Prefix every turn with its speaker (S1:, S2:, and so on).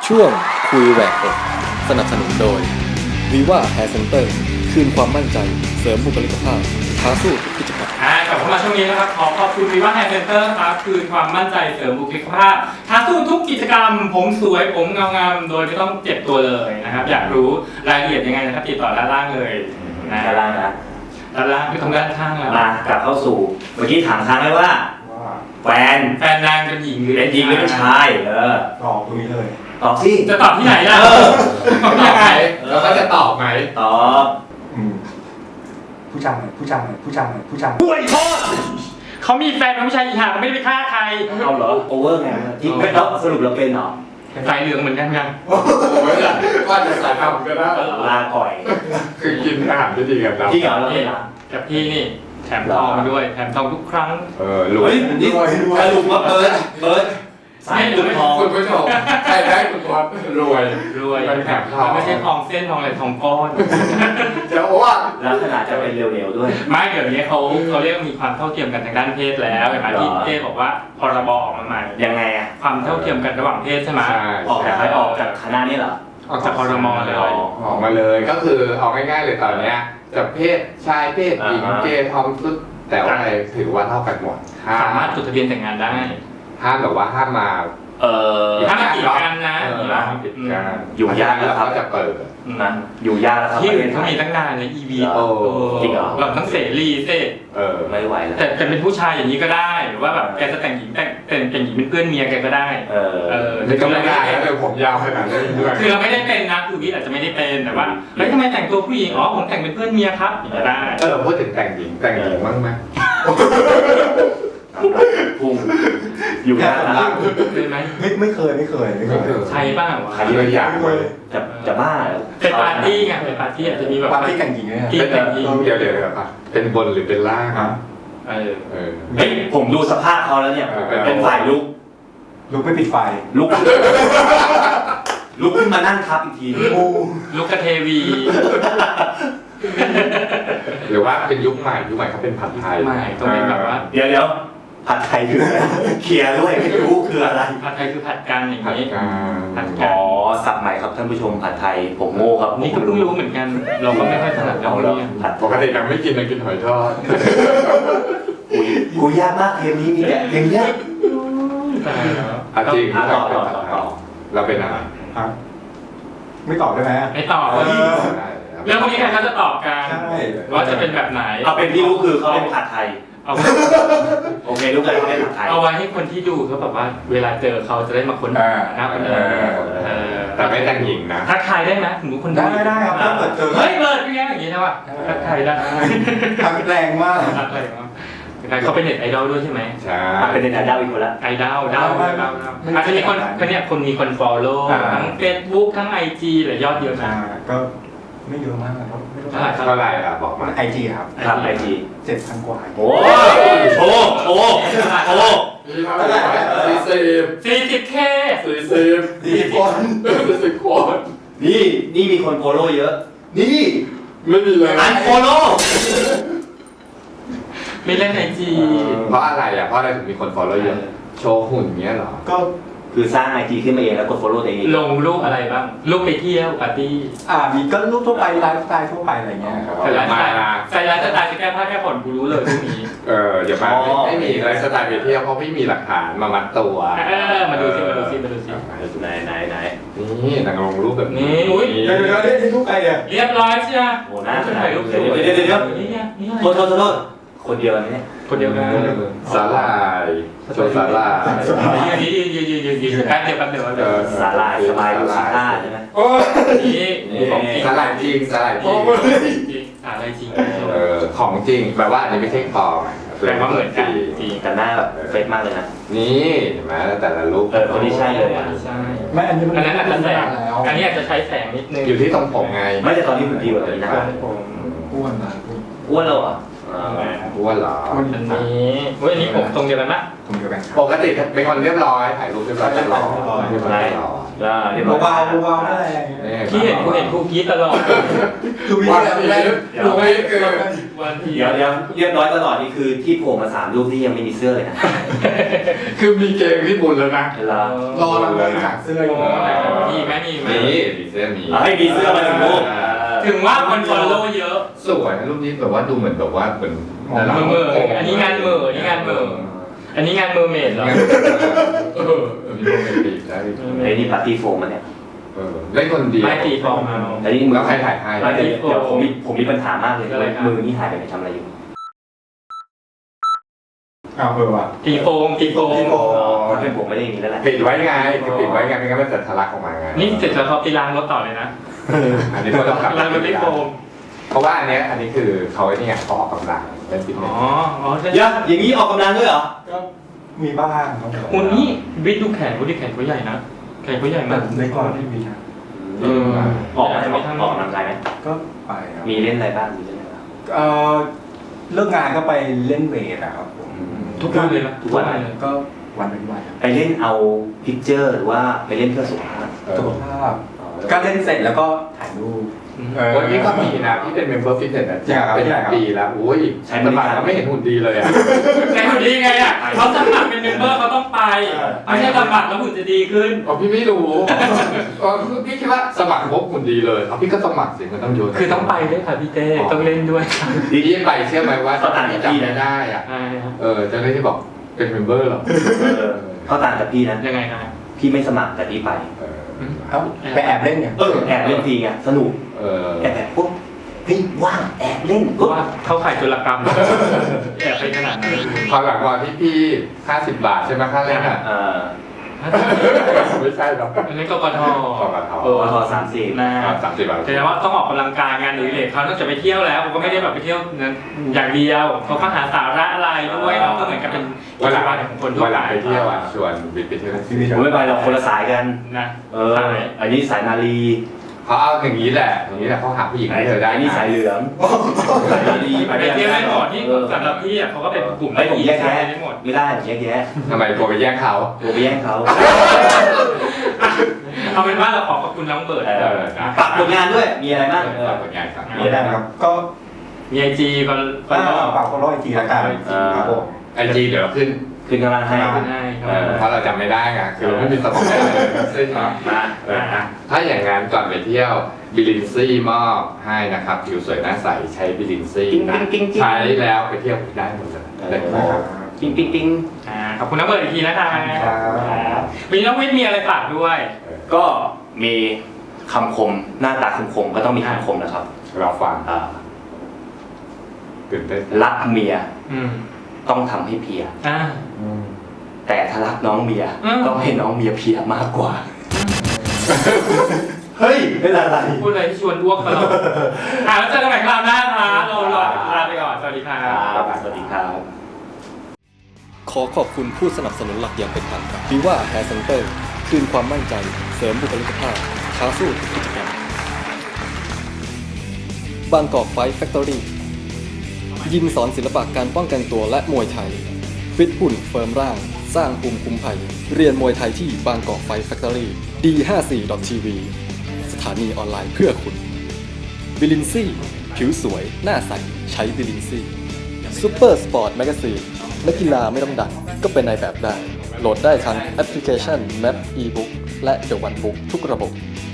S1: ช่วงคุยแหวกอกสนับสนุนโดย Viva Hair Center คืนความมั่นใจเสริมบุคลิกภาพท้าสู้ทุกกิจกรรม
S2: กลับเข้ามาช่วงนี้นะครับขอขอบคุณ Viva Hair Center ครับคืนความมั่นใจเสริมบุคลิกภาพท้าสู้ทุกกิจกรรมผมสวยผมเงางามโดยไม่ต้องเจ็บตัวเลยนะครับอยากรู้รายละเอียดยังไงนะครับติดต่อด้านล่างเลยนะ
S3: ด้านล่างนะ
S2: ด้านล่างคือตรงด้านข้างแล้ว
S3: มากลับเข้าสู่เมื่อกี้ถามค้างไว้ว่าแฟน
S2: นางเป็นหญิงหรือ
S3: เป็นหญิงหรือเป็นชาย
S4: ตอบตรงนี้เลย
S3: ตอบที่
S2: จะตอบที่ไหนล่ะตอบที่ไหน
S5: แล้วเขาจะตอบไหม
S3: ตอบ
S4: ผู้ชายผู้ชายผู้ชายผู้ชาย
S2: ป่วยโทษเขามีแฟนเป็นผู้ชายอีห่าเขาไม่ได้ไปฆ่าใคร
S3: เอาเหรอโอเวอร์ไงที่แล้วสรุปเราเป็นเหรอ
S2: สายเหลืองเหมือนกันยัง
S5: โอ้ยว่าจะสายทำก็ได้
S3: ลาก่อย
S5: คือกินอาหารที่ดีกับเรา
S3: ที่เหรอเราเป็นเหรอ
S2: กับพี่นี่แถมทองมาด้วยแถมทองทุกครั้ง
S5: รวย
S3: นี่สรุปว่าเบิร์ดสายลุกทอง
S5: คุณผู้ชมใครได้คุณวัดรวย
S2: มันแถมทองไม่ใช่ทองเส้นทองอะไรทองก้อน
S5: จะว่า
S3: แล้วขนาดจะเป็นเร็วๆด้วย
S2: ไม่เดี๋ยวนี้เขาเรียกมีความเท่าเทียมกันทางด้านเพศแล้วเห็นไหมที่เจ๊บอกว่าพรบออกมาใหม่
S3: ยังไงอ่ะ
S2: ความเท่าเทียมกันระหว่างเพศใช่ไหม
S3: ออกจากคณะนี้เหรอ
S2: ออกจากพรมเลย
S5: ออกมาเลยก็คือเอาง่ายๆเลยตอนเนี้ยจะเพศชายเพศหญิงเกย์ทอมทุกแต่ว่าอะไรถือว่าเท่ากันหมด
S2: สามารถจดทะเบียนแต่งงานได้
S5: ห้ามแบบว่าห้ามมา
S2: ถ้ามากีดกันนะ
S5: ห้ามปิดการ
S3: อยู่ยากแล้วครับ
S5: จะเปิด
S3: นะอยู่ยากแล้วครับ
S2: ที่อื่นเขามีตั้งนานเลย EV
S3: จริงเหรอ
S2: เราต้องเสรีเซ่
S3: ไม่ไหวแล้ว
S2: แต่เป็นผู้ชายอย่างนี้ก็ได้หรือว่าแบบแกจะแต่งหญิงแต่งหญิงเป็นเพื่อนเมียแกก็ได้
S5: นี่ก็ไม่ได้เลยผมยาวขนาดนี้ด้วย
S2: คือเราไม่ได้เป็นนะคือวิทย์อาจจะไม่ได้เป็นแต่ว่าแล้วทำไมแต่งตัวผู้หญิงอ๋อผมแต่งเป็นเพื่อนเมียครับอย่างนี้ได้
S5: พูดถึงแต่งหญิงบ้างไหม
S3: พุ่งอยู่ยากนะ
S2: เป็นไหม
S4: ไม่เคย
S2: ใช่บ้างวะ
S5: ใครเลยอยากเลย
S3: จะบ้า
S2: เป็นปาร์ตี้ไงเป็นปาร์ตี้อาจจะมีแบบ
S4: ปาร์ตี้กันหญิงเนี่ย
S2: ที่แต่งหญิง
S5: เดี๋ยวเป็นบนหรือเป็นล่าง
S2: เออ
S3: เฮ้ยผมดูสภาพเขาแล้วเนี่ยเป็นฝ่ายลุก
S4: ลุกไม่ปิดไฟ
S3: ลุกขึ้นมานั่งทับอีกที
S2: ลูกกระเทวี
S5: หรือว่าเป็นยุคใหม่เขาเป็นผัดไทย
S2: ไม่ต้องเป็นแบบว่า
S3: เดี๋ยวผัดไทยคืออะไรเคลียร์ด้วยไม่รู้คืออะไร
S2: ผัดไทยคือผัดกันอย่าง
S5: ผัด
S2: นี้
S5: กา
S2: ผัด
S3: อ๋
S2: กั
S3: อน สับใหม่ครับท่านผู้ชมผัดไทยผมโง่ครับ
S2: นี่ก็เพิ่งรู้เหมือนกัน เราก็ไม่ค่อยถนัดเรื่องนี้
S3: ผัด
S5: ปกติยังไม่กินหอยทอด
S3: กูยากมากเทปนี้มีแต่เพลงเนี้ย
S5: จริง
S3: ต่อ
S5: เราเป็นอะไร
S4: ไม่ตอบได้ไหม
S2: ไม่ตอบเรื่องพวกนี้ใครเขาจะตอบกัน
S4: ใช่
S2: ว่าจะเป็นแบบไหน
S3: เอาเป็นที่รู้คือเขาเป็นผัดไทย
S2: เอา
S3: โอเครู้กันเขาเป็นผัดไทย
S2: เอาไว้ให้คนที่ดูเขาแบบว่าเวลาเจอเขาจะได้มาค้นหาคนอื่น
S5: แต่ไม่แต่งหญิงนะ
S2: ทักทายได้ไหมถึงคนดู
S4: ได้ครับถ้าเกิดเจอ
S2: เฮ้ยเบิร์ดเป็นไงอย่างนี้ใช่ป่ะทักทายได้
S4: ทักแรงมาก
S2: ทักทายมั้งเขาเป็นเน็ตไอดอลด้วยใช่ไหม
S5: ใช่
S3: เป็นในดาวอีกคนละ
S2: ไอดอลอาจจะมีคนมีคนฟอลโล่ทั้ง Facebook ทั้ง IG หรือยอดเยอะนะ
S4: ก็ไม่เยอะมากครับไม่ต้อง
S5: เท่าไหร่บอกมา
S4: ไอจีครับ
S3: ครับไอจี
S4: 7,000 กว่า
S3: โอ้โห
S2: 40K
S5: 40 คน
S3: นี่มีคนโฟโล่เยอะ นี่
S5: ไม่มีเลย
S3: อันโฟโล่
S2: ไม่เล่น IG
S5: เพราะอะไรเพราะอะไรถึงมีคน follow เยอะโชว์หุ่นเงี้ยเหรอ
S4: ก็
S3: คือสร้างไอจีขึ้นมาเองแล้วกดโฟโล่ตัวเอง
S2: ลงรูปอะไรบ้างรูปไปเที่ยวปาร์ตี้
S4: มีก็รูปทั่วไปไลฟ์สไตล์ทั่วไปอะไรเงี้ยครับ
S2: ใส่ไลฟ์สไตล์จะแก้ผ้าแก้ผ่อนกูรู้เลยพวกนี้
S5: อย่ามาไม่มีไลฟ์สไตล์ไปเที่ยวเพราะไม่มีหลักฐานมามัดตัว
S2: มาดูสิ
S3: ไหน
S5: นี่นางลงรูปแบบนี้
S4: เดี๋ยวนี่รูปใครเนี่ย
S2: เรียบร้อยใช่ไหม
S3: โอ้หน้าขนาด
S2: รูปสวย
S3: เดี๋ยว
S2: นี่ไงนี่
S3: โทษคนเดียวนี่
S2: คนเดียวกัน
S5: สาลายโชว์สาลาย
S2: ยืนแป๊บเดียว
S3: สาลายสบายดูสีท่าใช่ไหม
S2: นี่ของจริง
S5: สาลายจริงสาลายจริง
S2: อะไรจริง
S5: ของจริงแปลว่าอันนี้ไม่ใช่ปลอม
S2: แปลว่าเหมือนกันจริง
S3: แต่หน้าแบบเฟซมากเลยนะ
S5: นี่เห็นไหมแต่ละรูป
S3: คนนี้ใช่เลยอ่ะ
S2: ใช่
S4: ไม่อันนี้มัน
S2: อันนั้นอาจจะแสง
S4: แล้ว
S2: อันนี้อาจจะใช้แสงนิดนึง
S5: อยู่ที่ตรงผมไง
S3: ไม่แต่ตอนนี้ผมดีกว่าตอนนี้นะ
S4: อ้วนนะ
S3: อ้วนแล้วเหรอ
S5: อ้วนเหรอ
S2: อันนี้อันนี้ผมตรงเดียวกันนะ
S4: ผมเดียวกันครับ
S5: ปกติเป็นคนเรียบร้อยถ่ายรูปเรียบร้อยจะหล่อเรียบร้อยหล่อ
S4: เบาๆอะไร
S2: ที่เห็นกูกรี๊ดตลอด
S4: คือวิ
S5: ว่า
S4: ธี
S5: ไม่ดูไม่เกิน
S2: ววันที
S3: เดี๋ยวเรียบร้อยตลอดนี่คือที่โผล่มา3รูปที่ยังไม่มีเสื้อเลยนะ
S5: คือมีเกงที่บุญแล้วนะ
S3: เวลาร
S4: อเราเลยหาเสื้ออยู่
S2: มีไหมมีไหม
S5: มีเสื้อมี
S3: ให้มีเสื้อมาถึงรูป
S2: ถึงว่าคนฟอลโล่เยอะ
S5: สวยนะรูปนี้แบบว่าดูเหมือนแบบว่าเป็น
S2: เมออันนี้งานเมออันนี้งานเมออันนี้งานเมอร์เมดเหรอ
S5: มีโรแมนติกได้
S3: ไอ้นี่ปาร์ตี้โฟมมันเนี่ย
S5: เล่นคนเดียว
S2: ไม่ตีฟองเอา
S3: อันนี้มือ
S5: แล้วใครถ่ายให้
S3: เดี๋ยวผมมีปัญหามากเลย
S2: อะไรครับ
S3: มือนี่หายไปไหนทำอะไรอยู่
S4: เอาว่ะ
S2: ตีโฟมตีโฟม
S3: ถ้าเป็นผมไม่ได้อย่างนี้แล้วแหละ
S5: ปิดไว้ไงคือปิดไว้ไงไม่งั้นมันจะทะลักออกมาไง
S2: นี่เสร็จแล้วเขาไปล้างรถต่อเลยนะ
S5: อันนี้ก็ต้องกลับ
S2: ล้างรถด้วยโฟม
S5: เพราะว่าอันนี้คือเขาไอ้นี่ไงเขาออกกำลังเล่นฟิตเน
S2: อ๋
S5: ส
S2: อใช่
S3: อย่างนี้ออกกำลังด้วยเหรอ
S4: ก็มีบ้างครับ
S2: คุณนี่วิทย์ดูแขนคุณดิแขนเขาใหญ่นะแขนเขาใหญ่
S4: แต่
S2: มาก
S4: ในก่อนที่มีนะ
S3: ออกกำลังกายไหม
S4: ก็ไปครับ
S3: มีเล่นอะไรบ้างมีเล่นอะไรบ้าง
S4: เลิกงานก็ไปเล่นเวทอะครับผม
S2: ทุกวันเลยนะ
S3: ทุกวัน
S2: เลย
S4: ก็วันเป็นวันครับ
S3: ไปเล่นเอาพิกเจอร์หรือว่าไปเล่นเพื่อสุขภาพ
S4: สุขภาพก็เล่นเสร็จแล้วก็ถ่ายรูป
S5: วันนี้ก็มีนะที่เป็นเมมเบอร์ฟิตเนสนะ
S4: จริงเหรอครับ
S5: เป็นปีแล้วโอ้ยสมัครแล้วไม่เห็นหุ่นดีเลยอ่ะ
S2: ไงหุ่นดีไงอ่ะเขาสมัครเป็นเมมเบอร์เขาต้องไปไม่ใช่สมัครแล้วหุ่นจะดีขึ้น
S5: อ๋อพี่ไม่รู้คือพี่คิดว่าสมัครปุ๊บหุ่นดีเลยเอาพี่ก็สมัครสิมันต้องโยน
S2: คือต้องไปด้วยค่ะพี่เต้ต้องเล่นด้วย
S5: พี่ไปเชื่อไหมว่าตอนที่จำไม่ได้อ่ะ
S2: ใช่ครับ
S5: เจ้าหน้าที่บอกเป็นเมมเบอร์เหรอ
S3: เขาต่างจากพี่นะ
S2: ยังไงครับ
S3: พี่ไม่สมัครแต่พี่ไป
S4: เอ้าไปแอบเล่นเนี่ย
S3: แอบเล่นทีไงสนุกแอบปุ๊บเฮ้ยว่างแอบเล่น
S2: เพ
S3: ปุ๊
S2: ราะ
S3: บ
S2: ว่าเขาขายจุลกรรมแอบไปขนาดนั้น
S5: พอหลังวันที่พี่50 บาทใช่ไหมค่าเล่นอ่ะไม่ใช่หรอก
S2: อันนี้กกท
S3: พอ30
S2: นะ
S5: 30 บาท
S2: แสดงว่าต้องออกกำลังกายงานหรือเหล็กเขานอกจากไปเที่ยวแล้วเขาก็ไม่ได้แบบไปเที่ยวอย่างเดียวเขาก็หาสาระอะไรด้วยเนาะก็เหมือนกับเป็นกิจวัตรของคนทั่ว
S5: วันห
S2: ไป
S5: ลังไปเที่ยวอ่ะชวนบิ๊กไปเที่ยว
S3: ผมไม่ไปเราคนละสายกัน
S2: นะ
S3: อันนี้สายนาลี
S5: เขาเอาอย่างนี้แหละเขาหาผู้หญิงให้เธอได้
S3: อันนี้สายเหลืองสายนาลี
S2: ไปเที่ยวได้หมดที่สำหรับพี่อ่ะเขาก็เป็นกลุ่ม
S3: ไม่ผมแยกแยะ
S2: ได้หมด
S3: ไม่ได้ผมแยกแยะ
S5: ทำไมโทรไปแย่งเขา
S3: ตัวไปแย่งเขา
S2: เอาเป็นว่าเราขอบคุณน้องเบิร์ด
S3: ฝากผลงานด้วยมีอะไรบ้าง
S5: ฝากผลงานครับ
S3: มีอะไรบ้าง
S4: ครับก็
S2: มีไอจีบัล
S4: ฝากfollow IG ละกันครับผม
S5: ไอจีเดี๋ยวขึ้น
S3: คืนกำลังให้
S2: ให้ครับ
S5: เพราะเราจำไม่ได้ไงคือเราไม่มีสมองซึ่งถ้าอย่างนั้นก่อนไปเที่ยวบิลินซี่มอบให้นะครับผิวสวยหน้าใสใช้บิลินซี่นะใช้แล้วไปเที่ยวได้หมดเลยนะครับ
S3: ปิ๊งปิ๊งปิ๊ง
S2: ขอบคุณน้องเบิร์ดอีกทีนะคะมีน้องวิทย์มีอะไรฝากด้วย
S3: ก็มีคำคมหน้าตาคมๆก็ต้องมีคำคมนะครับ
S5: เราฟัง
S3: อ่า
S5: ตื่นเต้น
S3: รักเมีย
S2: อืม
S3: ต้องทำให้เพลีย
S2: อ่า
S3: แต่ถ้ารักน้องเมีย
S2: อืม
S3: ต้องให้น้องเมียเพลียมากกว่า เฮ้ยเป็นอะไร
S2: พูดอะไรที่ชวนอ้วกตลอดแล้วเจอกันใหม่คราวหน้าค่ะเราลาไปก่อนสวัสดีค่ะ
S3: สวัสดีครับ
S1: ขอขอบคุณผู้สนับสนุนหลักอย่างเป็นทางการวิว่าแฮร์เซนเตอร์คืนความมั่นใจเสริมบุคลิกภาพท้าสู้ทุกกิจกรรมบางกอกไฟท์แฟคทอรี่ยิมสอนศิลปะการป้องกันตัวและมวยไทย ฟิตหุ่นเฟิร์มร่าง สร้างภูมิคุ้มภัย เรียนมวยไทยที่บางกอกไฟท์แฟคทอรี่ D54.tv สถานีออนไลน์เพื่อคุณบิลินซี่ผิวสวย หน้าใส ใช้บิลินซี่ซูเปอร์สปอร์ตแมกซีนนักกีฬาไม่ต้องดังก็เป็นนายแบบได้ โหลดได้ทั้งแอปพลิเคชัน Map eBook และ The One Book ทุกระบบ